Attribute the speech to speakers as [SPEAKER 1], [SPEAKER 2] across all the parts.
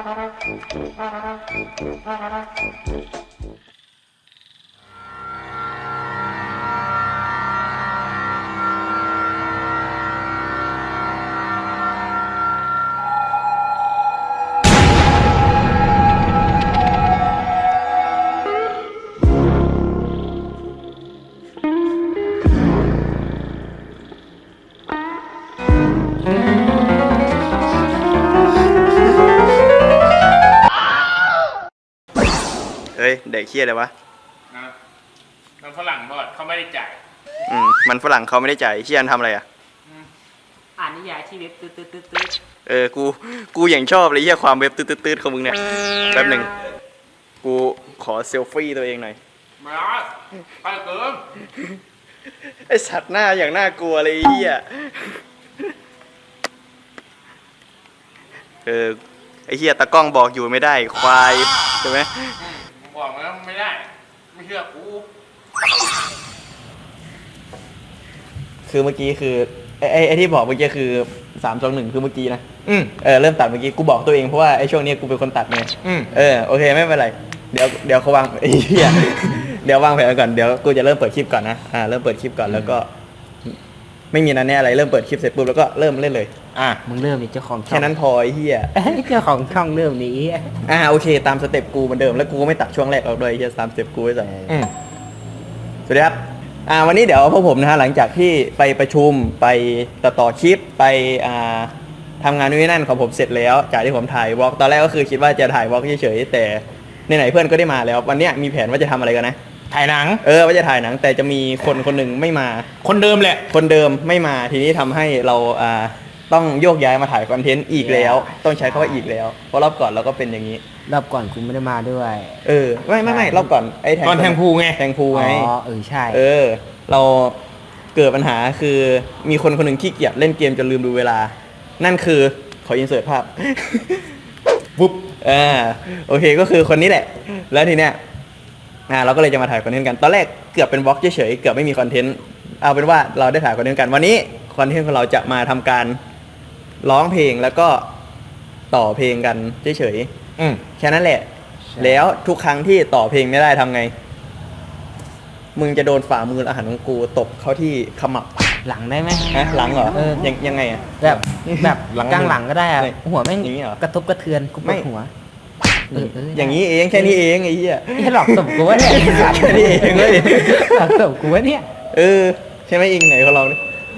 [SPEAKER 1] เฮ้ยเด็กเคี้ยอะไรวะ
[SPEAKER 2] นะมันฝรั่งทอดเขาไม่ได้จ่าย
[SPEAKER 1] มันฝรั่งเขาไม่ได้จ่ายเคี้ยนทำอะไรอ่ะ
[SPEAKER 3] อ่านนิยายที่เว็บตืด
[SPEAKER 1] กูอย่างชอบเลยเหี้ยความเว็บตืดของมึงเนี่ยแป๊บหนึ่งกูขอเซลฟี่ตัวเองหน่อย
[SPEAKER 2] มาไปเกิน
[SPEAKER 1] ไอสัตว์หน้าอย่างน่ากลัวเลยเหี้ยไอเหี้ยตากล้องบอกอยู่ไม่ได้ควายใช่ไหม
[SPEAKER 2] บอกแล้วไม่ได้ไม่เชื่อกู
[SPEAKER 1] คือเมื่อกี้คือไอที่บอกเมื่อกี้คือ3-2-1คือเมื่อกี้นะเริ่มตัดเมื่อกี้กูบอกตัวเองเพราะว่าไอช่วงนี้กูเป็นคนตัดไงโอเคไม่เป็นไรเดี๋ยวเขาวางไอ้เหี้ยเดี๋ยววางแผนก่อนเดี๋ยวกูจะเริ่มเปิดคลิปก่อนนะเริ่มเปิดคลิปก่อนแล้วก็ไม่มีนันแน่อะไรเริ่มเปิดคลิปเสร็จปุ๊บแล้วก็เริ่มเล่นเลย
[SPEAKER 3] มึงเริ่มนี่เจ้าของช่อง
[SPEAKER 1] แค่นั้นพอไอ้เหี้ย
[SPEAKER 3] เจ้าของช่องเริ่มนี้
[SPEAKER 1] โอเคตามสเต็ปกูเหมือนเดิมแล้วกูก็ไม่ตัดช่วงแรกออกด้วยเหี้ยตามสเต็ปกูไว้ใส่สวัสดีครับวันนี้เดี๋ยวพวกผมนะฮะหลังจากที่ไปประชุมไปต่อคลิปไปทำงานนู่นนั่นของผมเสร็จแล้วจากที่ผมถ่ายวอล์กตอนแรกก็คือคิดว่าจะถ่ายวอล์กเฉยๆแต่ไหนๆเพื่อนก็ได้มาแล้ววันนี้มีแผนว่าจะทำอะไรกันนะ
[SPEAKER 2] ถ่ายหนัง
[SPEAKER 1] ว่าจะถ่ายหนังแต่จะมีคนหนึ่งไม่มา
[SPEAKER 2] คนเดิมแหละ
[SPEAKER 1] คนเดิมไม่มาทีนี้ทำให้เราต้องโยกย้ายมาถ่ายคอนเทนต์อีกแล้วต้องใช้คำว่าอีกแล้วเพราะรอบก่อนเราก็เป็นอย่างนี้
[SPEAKER 3] รอบก่อนคุณไม่ได้มาด้วย
[SPEAKER 1] ไม่รอบก่อนไอ้
[SPEAKER 2] แทงพูไง
[SPEAKER 3] ใช่
[SPEAKER 1] เราเกิดปัญหาคือมีคนหนึ่งขี้เกียจเล่นเกมจนลืมดูเวลานั่นคือขออินเสิร์ตภาพปุ๊บโอเคก็คือคนนี้แหละแล้วทีเนี้ยเราก็เลยจะมาถ่ายคอนเทนต์กันตอนแรกเกือบเป็นบล็อกเฉยๆเกือบไม่มีคอนเทนต์เอาเป็นว่าเราได้ถ่ายคอนเทนต์กันวันนี้คอนเทนต์ของเราจะมาทำการร้องเพลงแล้วก็ต่อเพลงกันเฉยๆแค่นั้นแหละแล้วทุกครั้งที่ต่อเพลงไม่ได้ทำไงมึงจะโดนฝ่ามืออาหารของกูตบเข้าที่ขมับ
[SPEAKER 3] หลังได้ไหม
[SPEAKER 1] หลังเหรอยังไง
[SPEAKER 3] แบบกลางหลังก็ได้หัวแม่งกระทบกระเทือนกูปวดหัว
[SPEAKER 1] อย่างนี้เองแค่นี้เองไอ้เหี้ย
[SPEAKER 3] นี่หลอกตบกูวะเนี่ย
[SPEAKER 1] แค่นี้เองเลย
[SPEAKER 3] หลอกตบกูวะเนี่ย
[SPEAKER 1] ใช่ไหมเองไหนเขาลองดิ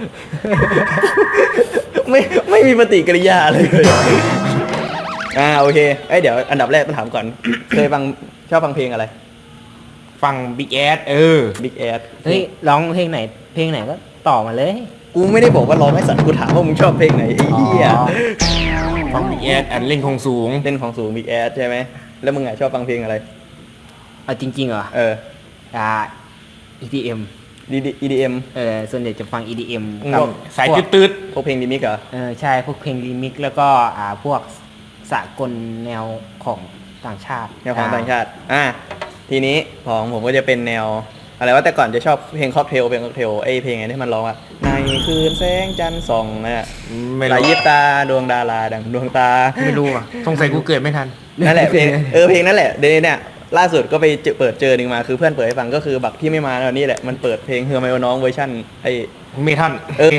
[SPEAKER 1] ไม่มีปฏิกิริยาเลยโอเคเดี๋ยวอันดับแรกต้องถามก่อนเคยชอบฟังเพลงอะไร
[SPEAKER 2] ฟัง Big Ass
[SPEAKER 1] Big Ass
[SPEAKER 3] เฮ้ยร้องเพลงไหนก็ต่อมาเลย
[SPEAKER 1] กูไม่ได้บอกว่าร้องให้สัตว์กูถามว่ามึงชอบเพลงไหนไอ้เหี้ย
[SPEAKER 2] ฟัง Big Ass เล่นของสูง
[SPEAKER 1] Big Ass ใช่ไหมแล้วมึงชอบฟังเพลงอะไร
[SPEAKER 3] จริงๆเหรอEDM
[SPEAKER 1] EDM
[SPEAKER 3] ส่วนใหญ่จะฟัง EDM
[SPEAKER 2] สายตืด
[SPEAKER 1] พวกเพลงรีมิกเหรอ
[SPEAKER 3] ใช่พวกเพลงรีมิกแล้วก็พวกสากลแนวของต่างชาติ
[SPEAKER 1] ทีนี้ของผมก็จะเป็นแนวอะไรว่าแต่ก่อนจะชอบเพลงค็อกเทลไอเพลงไงที่มันร้องว่าในคืนแสงจันทร์ส่องนะไหลยิบตาดวงดาราดังดวงตา
[SPEAKER 2] ไม่รู้อ่ะสงสัยกูเกิดไม่ทัน
[SPEAKER 1] นั่นแหละเพลงเพลงนั่นแหละเดี๋ยวเนี่ยล่าสุดก็ไปเปิดเจอหนึ่งมาคือเพื่อนเปิดให้ฟังก็คือบักที่ไม่มาแล้วนี่แหละมันเปิดเพลงเฮือไมโอน้องเวอร์ชั่นไอ
[SPEAKER 2] เมทัล
[SPEAKER 1] เม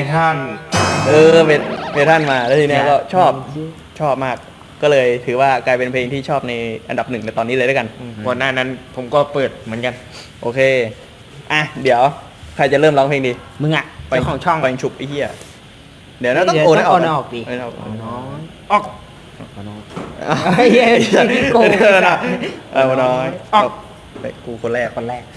[SPEAKER 1] ทัลมาแล้วทีเนี้ยก็ชอบมากก็เลยถือว่ากลายเป็นเพลงที่ชอบในอันดับ1ในตอนนี้เลยด้วยกัน
[SPEAKER 2] ก่อนหน้านั้นผมก็เปิดเหมือนกัน
[SPEAKER 1] โอเคเดี๋ยวใครจะเริ่มร้องเพลงดี
[SPEAKER 3] มึง
[SPEAKER 1] ไปของช่องไปฉุบไอ้เหี้ยเดี๋ยวต้องโอนออก
[SPEAKER 3] ดิ
[SPEAKER 2] น้อยออก
[SPEAKER 3] ไอ้เหี้ยโกง
[SPEAKER 1] น้อยออกไปกูคนแรก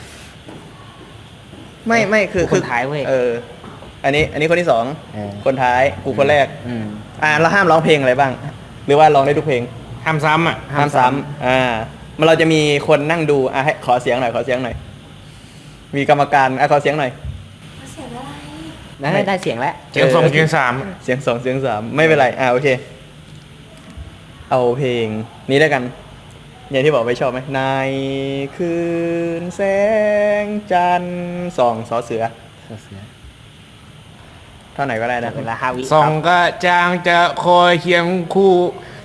[SPEAKER 1] ไม่คือ
[SPEAKER 3] คนท้ายเว้ย
[SPEAKER 1] อันนี้คนที่2คนท้ายกูคนแรกเราห้ามร้องเพลงอะไรบ้างหรือว่าร้องได้ทุกเพลง
[SPEAKER 2] ห้ามซ้ำ
[SPEAKER 1] ห้ามซ้ำมันเราจะมีคนนั่งดูให้ขอเสียงหน่อยมีกรรมการขอเสียงหน่อย
[SPEAKER 3] เสียงอะไรได้เสียงแล้ว
[SPEAKER 2] เสียง2เสียง3
[SPEAKER 1] เสียง2เสียง3ไม่เป็นไรโอเคเอาเพลงนี้แล้วกันอย่างที่บอกไม่ชอบไหมในคืนแสงจันทร์ส่องสอเสือเท่าไหนก็ได้นะ
[SPEAKER 3] เวลา5 วิ
[SPEAKER 2] ส่องก็จางจะคอยเคียงคู่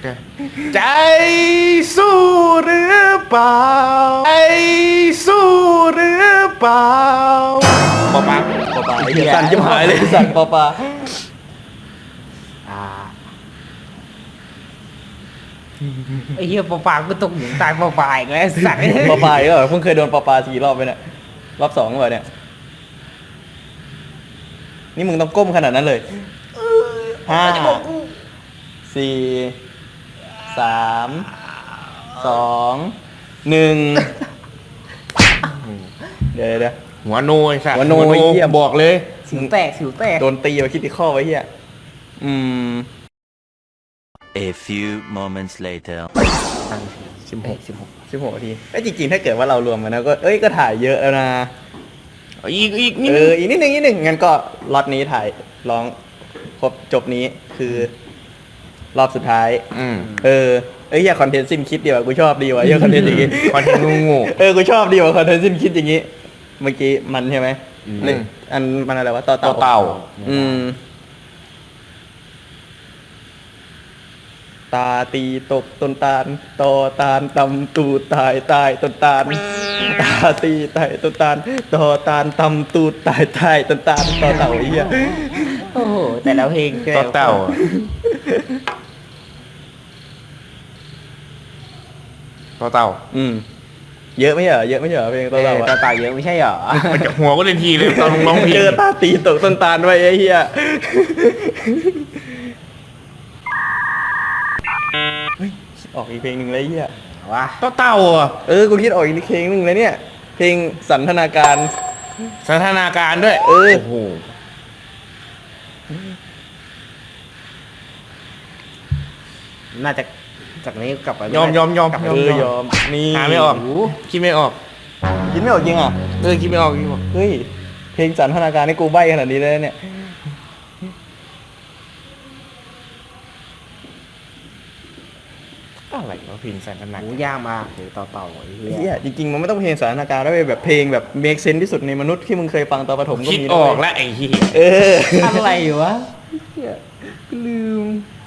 [SPEAKER 2] ใจสู้หรือเปล่าใจสู้หรือเปล่าปอปา
[SPEAKER 1] ปอปลาไอ้เหี้ยสั่นจิ้มหายเลยสั่นปอปลา
[SPEAKER 3] อ่าไอ้เหี้ยปอปลาก็ตกหลุมตายปอปลาอีกแล้วสัตว์
[SPEAKER 1] ปอปลาก็เพิ่งเคยโดนปอปลา4 รอบไปเนี่ยรอบ 2เหรอเนี่ยนี่มึงต้องก้มขนาดนั้นเลย5 4 3 2 1เดี๋ยว
[SPEAKER 2] หัวโนไอ้สัตว์
[SPEAKER 1] หัวโนไอ้เหี้ย
[SPEAKER 2] บอกเลย
[SPEAKER 3] สิวแตกสิวแตก
[SPEAKER 1] โดนตีไปคิดที่ข้อไว้เหี้ย
[SPEAKER 4] A few moments later.
[SPEAKER 1] 16 นาทีไอ้ยจริงๆถ้าเกิดว่าเรารวมกันนะก็ถ่ายเยอะแล้วนะ
[SPEAKER 2] อีกนิด
[SPEAKER 1] อีกนิดนึงงั้นก็ล็อตนี้ถ่ายร้องครบจบนี้คือรอบสุดท้าย เฮียคอนเทนต์สิ้นคิดดีว่ะกูชอบดีว่ะเฮียคอนเทนต์อย่างงี้
[SPEAKER 2] คอนเทนต์งู
[SPEAKER 1] กูชอบดีว่ะคอนเทนต์สิ้นคิดอย่างงี้ เมื่อกี้มันใช่ไหมเนี่ยอันมันอะไรวะต่อเต่าตาตีตกต้นตาลตอตาลตำตูดตายต้นตาลตาตีตายต้นตาลตอตาลตำตูดตายต้นตาลต่อเต่าไอ้เหี้ย
[SPEAKER 3] โอ้โหแต่ละเพลง
[SPEAKER 2] ต่อเต่าต่อเต่า
[SPEAKER 1] เยอะไม่เหรอเพลงต่อเต่า
[SPEAKER 3] ต่อเต่าเยอะไม่ใช่เหรอ
[SPEAKER 2] มันจะหัวก็เล่นทีเลยตอนร้องเพลง
[SPEAKER 1] เจอตาตีตกต้นตาลไว้ไอ้เหี้ยออกอีกเพลงหนึ่งเลยไอ้เหี้ย
[SPEAKER 3] ว้า
[SPEAKER 2] ต่อเต่าอ่ะ
[SPEAKER 1] กูคิดออกอีกเพลงหนึ่งเลยเนี่ย เพลงสันทนาการ
[SPEAKER 2] สันทนาการด้วย
[SPEAKER 1] โอ้โห
[SPEAKER 3] น่าจะจากนี้กลับไป
[SPEAKER 2] ยอม
[SPEAKER 1] ยอมนี่
[SPEAKER 2] หาไม่ออกคิดไม่ออก
[SPEAKER 1] คิดไม่ออกจริงอ่ะ
[SPEAKER 2] คิดไม่ออก
[SPEAKER 1] เฮ้ยเพลงสันทนาการนี่กูใบ้ขนาดนี้เลยเนี่ย
[SPEAKER 2] อะไรวะเพลงสันทนา
[SPEAKER 3] หูยากมากเลยต่อเต่าไอ้
[SPEAKER 1] ไอ้
[SPEAKER 3] เหี้
[SPEAKER 1] เหี้
[SPEAKER 3] ย
[SPEAKER 1] ยจริงๆมันไม่ต้องเพลงสันทนาการแล้วแบบเพลงแบบเมคเซนที่สุดในมนุษย์ที่มึงเคยฟังตอนประถมก็
[SPEAKER 2] คิด
[SPEAKER 1] มี
[SPEAKER 2] ออก
[SPEAKER 1] แล้
[SPEAKER 2] แล้ว วไอ้เหี้ย
[SPEAKER 3] อะไรวะ
[SPEAKER 1] ลืม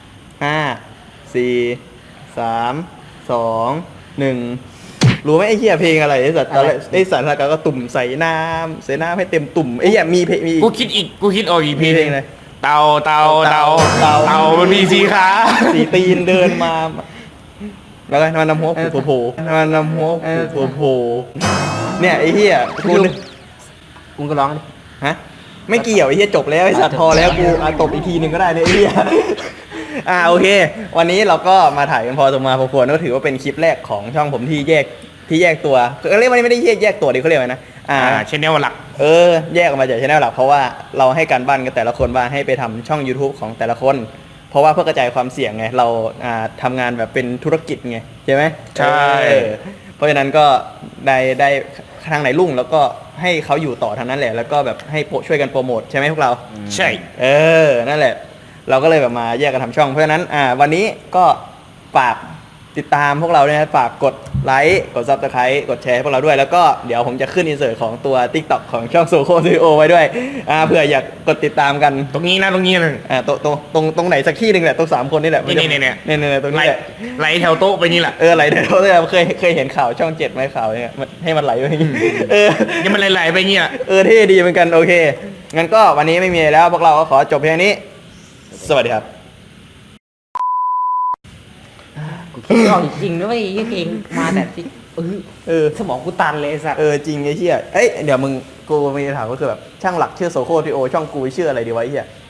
[SPEAKER 1] 5 4 3 2 1รู้ไหมไอ้เหี้ยเพลงอะไรไอ้สัตว์ตอนแรกไอ้สันทนาการก็ตุ่มใส่น้ำให้เต็มตุ่มไอ้เหี้ยมีเพลงมี
[SPEAKER 2] กูคิดออกอีกเพล
[SPEAKER 1] มี
[SPEAKER 2] ง
[SPEAKER 1] เพลงอะไร
[SPEAKER 2] เต่ามันมีสีขา
[SPEAKER 1] สีตีนเดินมา แล้วก็มันนำหัวโผล่มันนำหัวโผล่เนี่ยไอ้เหี้ยกูนึก
[SPEAKER 3] มึงก็ร้องดิ
[SPEAKER 1] ฮะไม่เกี่ยวไอ้เหี้ยจบแล้วไอ้สัตว์พอแล้วกูตบอีกทีหนึ่งก็ได้เนี่ยไอ้เหี้ยโอเค วันนี้เราก็มาถ่ายกันพอสมควรพอควรก็ถือว่าเป็นคลิปแรกของช่องผมที่แยกตัวเรียกว่าไม่ได้แยกตัวดิเขาเรียกว่านะ
[SPEAKER 2] ชแนลหลัก
[SPEAKER 1] แยกออกมาจากช่องหลักเพราะว่าเราให้การบ้านกันแต่ละคนว่าให้ไปทำช่อง YouTube ของแต่ละคน เพราะว่าเพื่อกระจายความเสี่ยงไงเราทำงานแบบเป็นธุรกิจไงใช่ไหม
[SPEAKER 2] ใช่
[SPEAKER 1] เพราะฉะนั้นก็ได้ทางไหนรุ่งแล้วก็ให้เขาอยู่ต่อทางนั้นแหละแล้วก็แบบให้ช่วยกันโปรโมทใช่ไหมพวกเรา
[SPEAKER 2] ใช่
[SPEAKER 1] นั่นแหละ เราก็เลยแบบมาแยกกันทำช่องเพราะฉะนั้นวันนี้ก็ฝากติดตามพวกเราเนี่ยฝากกดไลค์กด Subscribe กดแชร์ให้พวกเราด้วยแล้วก็เดี๋ยวผมจะขึ้นอินเสิร์ตของตัว TikTok ของช่องโซโคซีโอไว้ด้วยเผื่ออยากกดติดตามกัน
[SPEAKER 2] ตรงนี้นะ
[SPEAKER 1] ตรงไหนสักที่หนึ่งแหละตรง3 คนนี่แหละ
[SPEAKER 2] นี่
[SPEAKER 1] ตรงนี้แหละ
[SPEAKER 2] ไหลแถวโต๊ะไปนี่แหละ
[SPEAKER 1] ไหลเดี๋ยวเคยเห็นข่าวช่อง7ไหมข่าวเนี่ยให้มันไหลไปอย่างงี้
[SPEAKER 2] ยังมันไหลไปนี่แหละ
[SPEAKER 1] เท่ดีเหมือนกันโอเคงั้นก็วันนี้ไม่มีอะไรแล้วพวกเราก็ขอจบเพียงนี้ สวัสดีครับ
[SPEAKER 3] กูคิดไม่ออกจริงๆนะเว้ยไอ้เพลงมาแต่ที่สมองกูตันเลยไอ้สัตว์
[SPEAKER 1] จริงไอ้เหี้ยเดี๋ยวมึงกูมีคำถามก็คือแบบช่างหลักชื่อโซโคทีโอช่องกูชื่ออะไรดีวะไอ้เหี้ย